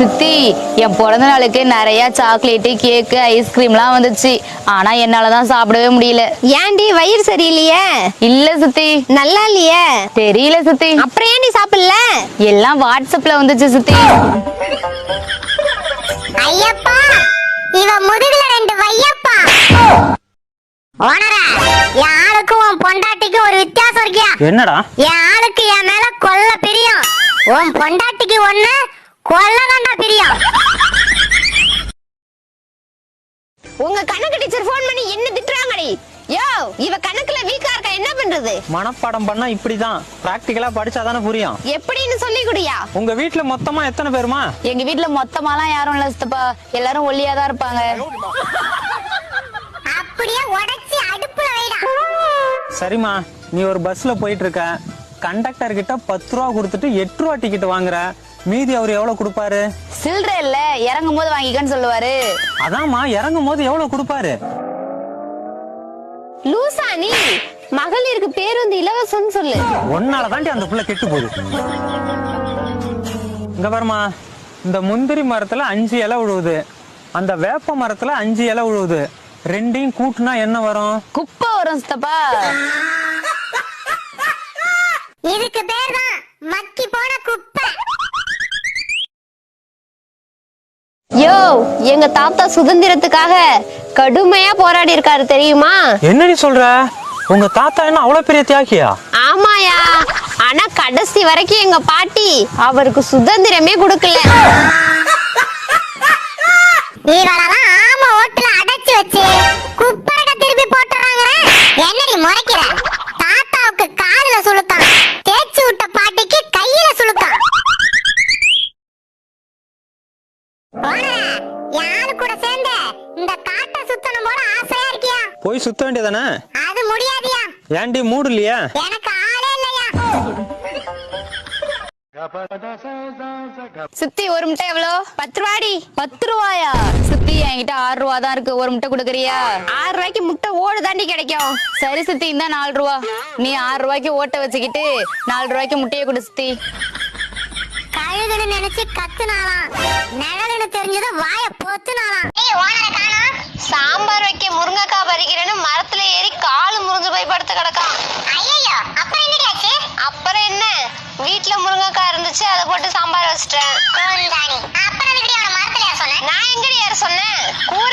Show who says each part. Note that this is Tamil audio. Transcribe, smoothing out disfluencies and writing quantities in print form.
Speaker 1: சித்தி, என் பிறந்த நாளுக்கு நிறைய சாக்லேட்டு, கேக்கு, ஐஸ்கிரீம்லாம் வந்துச்சு. ஆனா என்னாலதான் சாப்பிடவே முடியல.
Speaker 2: ஏன்டி வயிறு சரியில்லையே?
Speaker 1: இல்ல சித்தி.
Speaker 2: நல்லா இல்லையே?
Speaker 1: தெரியல சித்தி.
Speaker 2: அப்புறம் ஏன்டி சாப்பிடல?
Speaker 1: எல்லாம் வாட்ஸ்அப்ல வந்துச்சு சித்தி.
Speaker 3: ஐயப்பா, இவ முதுகுல 2 வையப்பா. ஓனரா, என் ஆளுக்கும் உன் பொண்டாட்டிக்கும் ஒரு வித்தியாசம் இருக்கியா?
Speaker 4: என்னடா?
Speaker 3: என் ஆளுக்கு என் மேல கொல்ல பிரியம், உன் பொண்டாட்டிக்கு ஒண்ணு கொல்லதாண்டா பிரியம்.
Speaker 2: உங்க கணக்கு டீச்சர் போன் பண்ணி என்ன திட்டுறாங்கடி? யோ, இவ கணக்குல வீக்கா இருக்கா, என்ன பண்றது?
Speaker 4: மனப்பாடம் பண்ணா இப்படிதான், பிராக்டிகலா படிச்சாதானே புரியும்.
Speaker 2: எப்படின்னு சொல்லி குடியா.
Speaker 4: உங்க வீட்ல மொத்தமா எத்தனை பேருமா?
Speaker 1: எங்க வீட்டுல மொத்தமாலாம் யாரும் இல்ல சித்தப்பா, எல்லாரும் ஒல்லியாதான் இருப்பாங்க.
Speaker 3: அப்படியே உடைச்சி அடுப்புல வைடா.
Speaker 4: சரிம்மா, நீ ஒரு பஸ்ல போயிட்டு இருக்க, கண்டக்டர் கிட்ட 10 ரூபா கொடுத்துட்டு 8 ரூபா டிக்கெட் வாங்குற, மீதி அவர் எவ்வளவு கொடுப்பாரு?
Speaker 1: சில்லற இல்ல, இறங்கும் போது வாங்கிக்கன்னு சொல்லுவாரு.
Speaker 4: அதாம்மா, இறங்கும் போது எவ்வளவு கொடுப்பாரு?
Speaker 2: லூசா நீ? மகளிருக்கு பேருந்து இலவசம் சொல்லு.
Speaker 4: ஒன்னால தாண்டி அந்த புள்ள கெட்டு போகுது. இங்க பாருமா, இந்த முந்திரி மரத்துல 5 இலை விழுவுது, அந்த வேப்ப மரத்துல 5 இலை விழுவுது, ரெண்டையும் கூட்டுனா என்ன வரும்?
Speaker 1: குப்பை வரும் சித்தப்பா.
Speaker 3: இதுக்கு பேர் தான் மக்கி போன குப்பை.
Speaker 2: யோ, எங்க தாத்தா சுதந்திரத்துக்காக கடுமையா போராடி இருக்காரு தெரியுமா?
Speaker 4: என்னடி சொல்ற? உங்க தாத்தா என்ன அவ்வளவு பெரிய தியாகியா?
Speaker 2: ஆமாயா, ஆனா கடைசி வரைக்கும் எங்க பாட்டி அவருக்கு சுதந்திரமே கொடுக்கல.
Speaker 3: இவளெல்லாம் ஆமா ஓட்டுல அடைச்சு வச்சு குப்பரக திருப்பி போட்டுறாங்க. என்னடி முறைக்கிற? தாத்தாவுக்கு காதுல சுளுக்கான், தேய்ச்சி விட்ட பாட்டிக்கு கையில சுளுக்கான். யாரு கூட சேர்ந்து இந்த காட்டை சுத்தணும் போல ஆசையா இருக்கியா?
Speaker 4: போய் சுத்த வேண்டியதானே?
Speaker 3: அது முடியாதியா.
Speaker 4: ஏன்டி மூடு இல்லையா?
Speaker 3: எனக்கு ஆளே இல்லையா.
Speaker 1: சித்தி, ஒரு முட்டை எவ்வளோ?
Speaker 2: 10 ரூபாடி.
Speaker 1: 10 ரூபாயா? சித்தி, என்கிட்ட 6 ரூபா தான் இருக்கு, ஒரு முட்டை கொடுக்குறியா?
Speaker 2: 6 ரூபாய்க்கு முட்டை ஓடு தாண்டி கிடைக்கும்.
Speaker 1: சரி சித்தி, இந்த 4 ரூபா. நீ 6 ரூபாய்க்கு ஓட்ட வச்சுக்கிட்டு 4 ரூபாய்க்கு முட்டையை கொடு சித்தி.
Speaker 3: கழுகுன்னு நினைச்சு கத்துனாலாம், நிழலுன்னு தெரிஞ்சது வாய பொத்துனாலாம். ஏய், ஓனரை காணோம்.
Speaker 2: சாம்பார் வைக்க முருங்கைக்காய் பறிக்கிறேன்னு மரத்துல ஏறி காலு முறிஞ்சு போய் படுத்து கிடக்கான்.
Speaker 3: ஐயோ, அப்புறம் என்னடி ஆச்சு?
Speaker 2: அப்புறம் என்ன, வீட்டுல முருங்கைக்காய் இருந்துச்சு, அதை போட்டு சாம்பார் வச்சிட்டேன்.
Speaker 3: கோந்தாணி, அப்புறம் எப்படி அவன மரத்துல ஏற சொன்ன?
Speaker 2: நான் எங்கடி யார சொன்னேன்? கூரை